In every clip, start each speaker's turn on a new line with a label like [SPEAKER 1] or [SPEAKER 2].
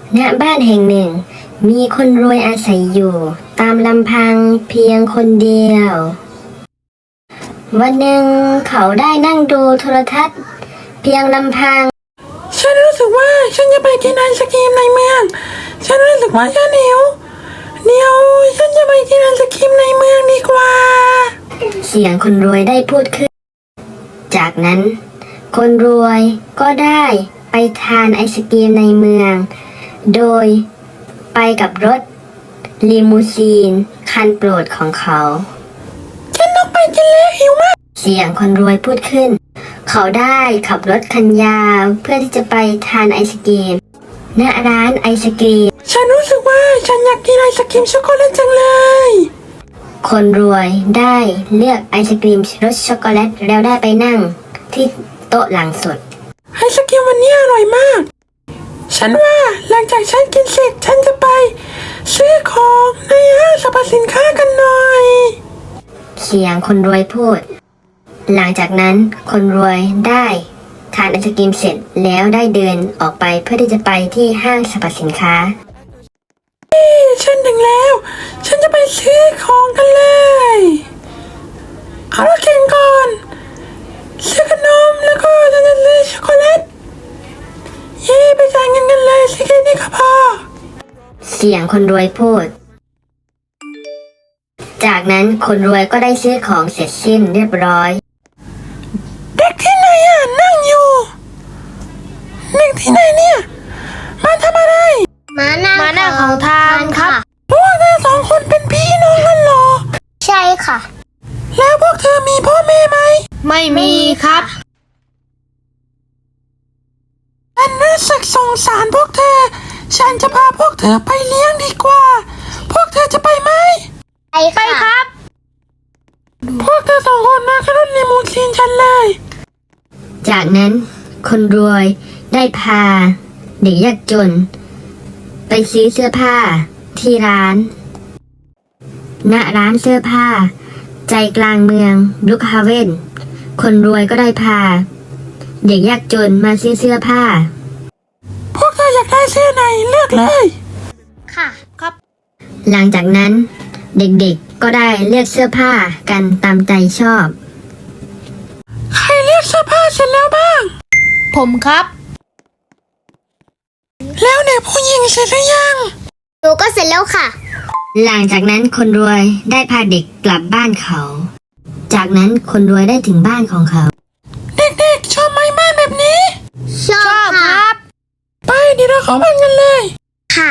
[SPEAKER 1] ณบ้านแห่งหนึ่งมีคนรวยอาศัยอยู่ตามลำพังเพียงคนเดียววันหนึ่งเขาได้นั่งดูโทรทัศน์เพียงลำพัง
[SPEAKER 2] ฉันรู้สึกว่าฉันจะไปกินไอศกรีมในเมืองฉันรู้สึกว่าฉันหิวเดี๋ยวฉันจะไปกินไอศกรีมในเมืองดีกว่า
[SPEAKER 1] เสียงคนรวยได้พูดขึ้นจากนั้นคนรวยก็ได้ไปทานไอศกรีมในเมืองโดยไปกับรถลิมูซีนคันโปรดของเขา
[SPEAKER 2] ฉันต้องไปกินแล้วหิวมาก
[SPEAKER 1] เสียงคนรวยพูดขึ้นเขาได้ขับรถคันยาวเพื่อที่จะไปทานไอศกรีมณร้านไอศกรีม
[SPEAKER 2] ฉันรู้สึกว่าฉันอยากกินไอศกรีมช็อกโกแลตจังเลย
[SPEAKER 1] คนรวยได้เลือกไอศกรีมรสช็อกโกแลตแล้วได้ไปนั่งที่โต๊ะหลังสุด
[SPEAKER 2] ไอศกรีมวันนี้อร่อยมากฉันว่าหลังจากฉันกินเสร็จฉันจะไปซื้อของในห้างสรรพสินค้ากันหน่อย
[SPEAKER 1] เสียงคนรวยพูดหลังจากนั้นคนรวยได้ทานไอศกรีมเสร็จแล้วได้เดินออกไปเพื่อที่จะไปที่ห้างสรรพสินค้า
[SPEAKER 2] ฉันถึงแล้วฉันจะไปซื้อของกันเลยเอารถเข็นก่อนซื้อขนมแล้วก็ฉันจะซื้อช็อกโกแลตไปจ่ายเงินกันเลยสิแค่นี้ก็พอ
[SPEAKER 1] เสียงคนรวยพูดจากนั้นคนรวยก็ได้ซื้อของเสร็จสิ้นเรียบร้อย
[SPEAKER 2] เด็กที่ไหนนั่งอยู่เด็กที่ไหนเนี่ยมาทำอะไร
[SPEAKER 3] มานั่งของทานครับ
[SPEAKER 2] พวกเธอสองคนเป็นพี่น้องกันเหรอ
[SPEAKER 3] ใช่ค่ะ
[SPEAKER 2] แล้วพวกเธอมีพ่อแม่ไหม
[SPEAKER 3] ไม่มีครับ
[SPEAKER 2] ฉันรู้สึกสงสารพวกเธอฉันจะพาพวกเธอไปเลี้ยงดีกว่าพวกเธอจะไปไหม
[SPEAKER 3] ไปครับ
[SPEAKER 2] พวกเธอสองคนมาขึ้นรถลิมูซีนฉันเลย
[SPEAKER 1] จากนั้นคนรวยได้พาเด็กยากจนไปซื้อเสื้อผ้าที่ร้านณร้านเสื้อผ้าใจกลางเมืองบรูคฮาเวนคนรวยก็ได้พาเด็กยากจนมาซื้อเสื้อผ้า
[SPEAKER 2] พวกเธออยากได้เสื้อไหนเลือกเลย
[SPEAKER 3] ค่ะครับ
[SPEAKER 1] หลังจากนั้นเด็กๆก็ได้เลือกเสื้อผ้ากันตามใจชอบ
[SPEAKER 2] ใครเลือกเสื้อผ้าเสร็จแล้วบ้าง
[SPEAKER 3] ผมครับ
[SPEAKER 2] แล้วเด็กผู้หญิงเสร็จหรือยัง
[SPEAKER 3] หนูก็เสร็จแล้วค่ะ
[SPEAKER 1] หลังจากนั้นคนรวยได้พาเด็กกลับบ้านเขาจากนั้นคนรวยได้ถึงบ้านของเขา
[SPEAKER 2] เด็กๆชอบไหมบ้านแบบนี้
[SPEAKER 3] ชอบครับ
[SPEAKER 2] ไปเดี๋ยวเราเข้าบ้านกันเลย
[SPEAKER 3] ค่ะ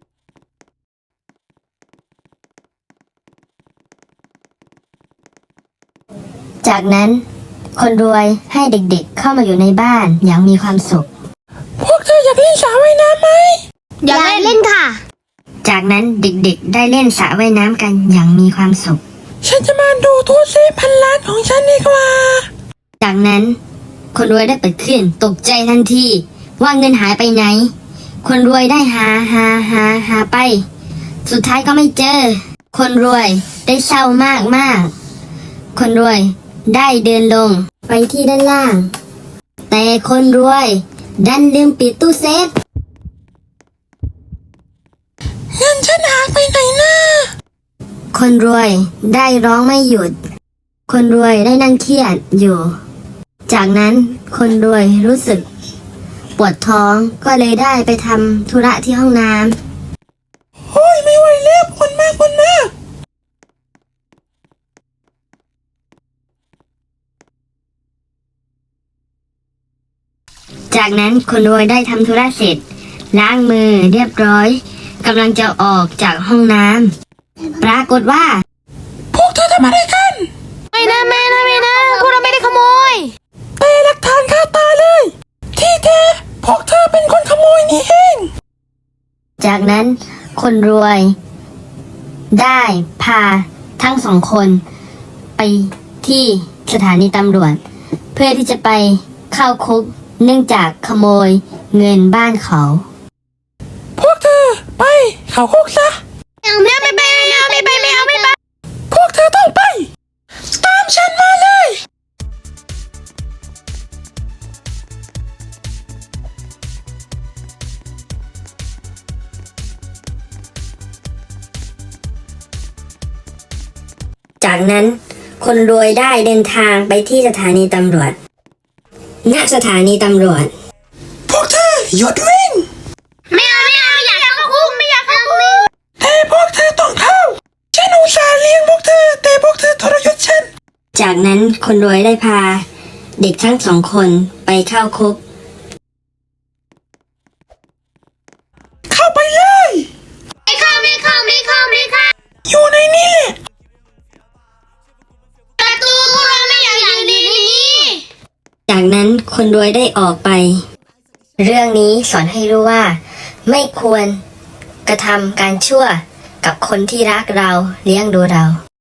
[SPEAKER 1] จากนั้นคนรวยให้เด็กๆเข้ามาอยู่ในบ้านอย่างมีความสุข
[SPEAKER 2] พวกเธออยากเล่นสระว่ายน้ำไหม
[SPEAKER 3] อยากเล่นค่ะ
[SPEAKER 1] จากนั้นเด็กๆได้เล่นสระว่ายน้ำกันอย่างมีความสุข
[SPEAKER 2] ฉันจะมาดูตู้เซฟพันล้านของฉันดีกว่า
[SPEAKER 1] จากนั้นคนรวยได้เปิดขึ้นตกใจทันทีว่าเงินหายไปไหนคนรวยได้หาไปสุดท้ายก็ไม่เจอคนรวยได้เศร้ามากคนรวยได้เดินลงไปที่ด้านล่างแต่คนรวยดันลืมปิดตู้เซฟ
[SPEAKER 2] เงินฉันหายไปไหนนะ
[SPEAKER 1] คนรวยได้ร้องไม่หยุดคนรวยได้นั่งเครียดอยู่จากนั้นคนรวยรู้สึกปวดท้องก็เลยได้ไปทำธุระที่ห้องน้
[SPEAKER 2] ำโอ้ยไม่ไหวแล้วปวดมาก
[SPEAKER 1] จากนั้นคนรวยได้ทำธุระเสร็จล้างมือเรียบร้อยกำลังจะออกจากห้องน้ำปรากฏว่า
[SPEAKER 2] พวกเธอทำอะไรกัน
[SPEAKER 3] ไม่นะพวกเราไม่ได้ขโมย
[SPEAKER 2] แต่หลักฐานคาตาเลยที่แท้พวกเธอเป็นคนขโมยนี่เอง
[SPEAKER 1] จากนั้นคนรวยได้พาทั้งสองคนไปที่สถานีตำรวจเพื่อที่จะไปเข้าคุกเนื่องจากขโมยเงินบ้านเขา
[SPEAKER 2] พวกเธอไปเข้าคุกซะ
[SPEAKER 3] ไม่ไป
[SPEAKER 2] พวกเธอต้องไปตามฉันมาเลย
[SPEAKER 1] นั้นคนรวยได้เดินทางไปที่สถานีตำรวจณสถานีตำรวจ
[SPEAKER 2] พวกเธอหยุดวิ่ง
[SPEAKER 3] ไม่เอาอยากเข้าคุกไม่อยากเข้าคุก
[SPEAKER 2] แต่พวกเธอต้องเข้าฉันอุตส่าห์เลี้ยงพวกเธอแต่พวกเธอทรยศฉัน
[SPEAKER 1] จากนั้นคนรวยได้พาเด็กทั้ง2 คนไปเข้าคุก
[SPEAKER 2] เข้าไปเลย
[SPEAKER 3] ไม่เข้า
[SPEAKER 2] อยู่ในนี้แหละ
[SPEAKER 3] ประตูพวกเราไม่อยากอยู่ในนี้
[SPEAKER 1] จากนั้นคนรวยได้ออกไป เรื่องนี้สอนให้รู้ว่า ไม่ควรกระทำการชั่วกับคนที่รักเราเลี้ยงดูเรา